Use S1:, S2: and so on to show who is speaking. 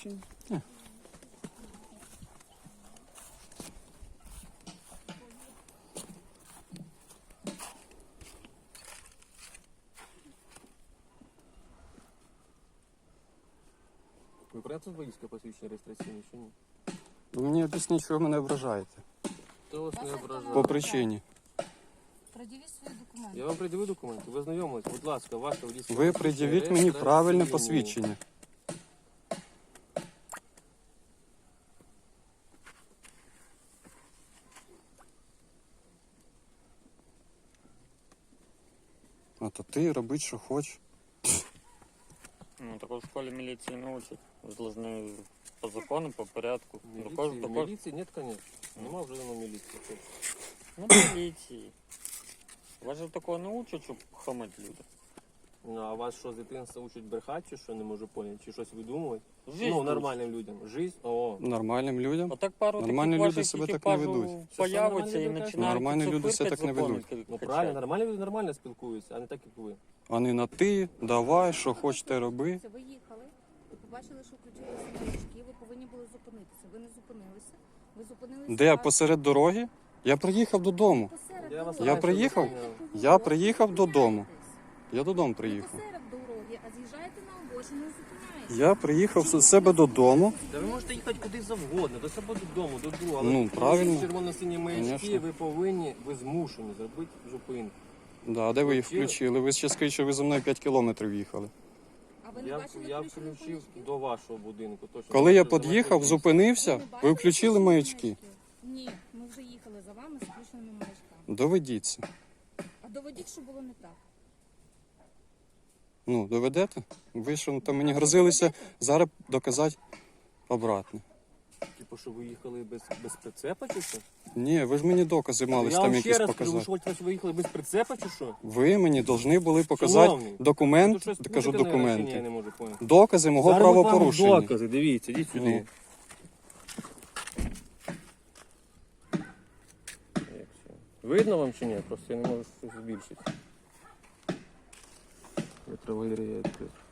S1: посвідчення?
S2: Ви брати водійське посвідчення реєстраційне чи ні?
S1: Ви мені об'ясніть, що ви мене ображаєте.
S2: Хто вас не ображає?
S1: По причині.
S3: Пред'явіть свої документи.
S2: Я вам пред'явив документи, ви знайомились, будь ласка, ваше водійське
S1: Ви пред'явіть мені правильне посвідчення. А то ти робить, що хочеш.
S4: Ну, такого в школі міліції не учать. Ви должны по закону, по порядку.
S2: Міліції? Ні, звісно. Нема вже давно міліції.
S4: Ну, міліції. Вас же такого не учать, щоб хамать люди.
S2: Ну, а вас що, з дитинства учать брехати, чи що, не можу поняти? Чи щось видумувати?
S4: Жизнь
S2: Ну,
S4: учать.
S2: нормальним людям. Жизнь? О.
S1: Нормальним людям.
S4: Отак пару
S1: Нормальні
S4: таких
S1: люди
S4: ваших
S1: себе так не
S4: екіпажів
S1: ведуть.
S4: появиться і
S2: Нормальні люди
S4: починають
S1: Нормальні люди
S4: цукерки
S1: себе так не
S4: закони
S1: ведуть.
S2: Ну,
S4: качати.
S2: правильно, нормальні люди нормально спілкуються, а не так, як ви.
S1: А не на ти, давай, що хочете роби.
S3: Ви їхали, ви побачили, що включилися маячки, ви повинні були зупинитися. Ви не зупинилися. Ви зупинилися.
S1: Де, посеред дороги? Я приїхав додому.
S3: Посеред
S2: Я вас
S3: дороги.
S1: Я приїхав?
S3: Ви
S1: Я приїхав додому.
S3: зупиняєтесь.
S1: Я додому
S3: Ви
S1: приїхав.
S3: посеред дороги, а з'їжджаєте на обочину і зупиняєтесь.
S1: Я приїхав з себе додому.
S2: Та ви можете їхати куди завгодно, до себе додому, до друга. Але
S1: Ну, правильно.
S2: червоно-сині маячки,
S1: Конечно.
S2: ви повинні, ви змушені зробити зупинку.
S1: Да, а де ви їх включили? Ви ще скажіть, що ви за мною 5 кілометрів їхали.
S3: А ви не
S2: Я
S3: бачили включені
S2: включив
S3: маячки?
S2: до вашого будинку. Точно.
S1: Коли я
S2: Бачив, за
S1: під'їхав,
S2: вашим
S1: зупинився,
S3: не
S1: ви
S3: бачили
S1: включили
S3: включені
S1: маячки.
S3: Ні, ми вже їхали за вами з включеними маячками.
S1: Доведіться.
S3: А доведіть, що було не так.
S1: Ну, доведете? Ви що там мені грозилися зараз доказати обратне.
S2: Типу, що ви їхали без прицепа чи що?
S1: Ні, ви ж мені докази мали
S2: Я
S1: там
S2: вам
S1: якісь
S2: ще раз кажу, ви
S1: показати.
S2: що ви їхали без прицепа чи що?
S1: Ви мені повинні були показати
S2: Шановний,
S1: документ,
S2: Тут щось
S1: кажу
S2: путати, наверное, чи ні, я
S1: документи.
S2: не можу поняти.
S1: Докази мого
S2: Зараз от вам
S1: правопорушення.
S2: докази, дивіться, йдіть сюди.
S1: Ну.
S2: Як це? Видно вам чи ні? Просто я не можу щось збільшити. Я траволірую, я відкрив.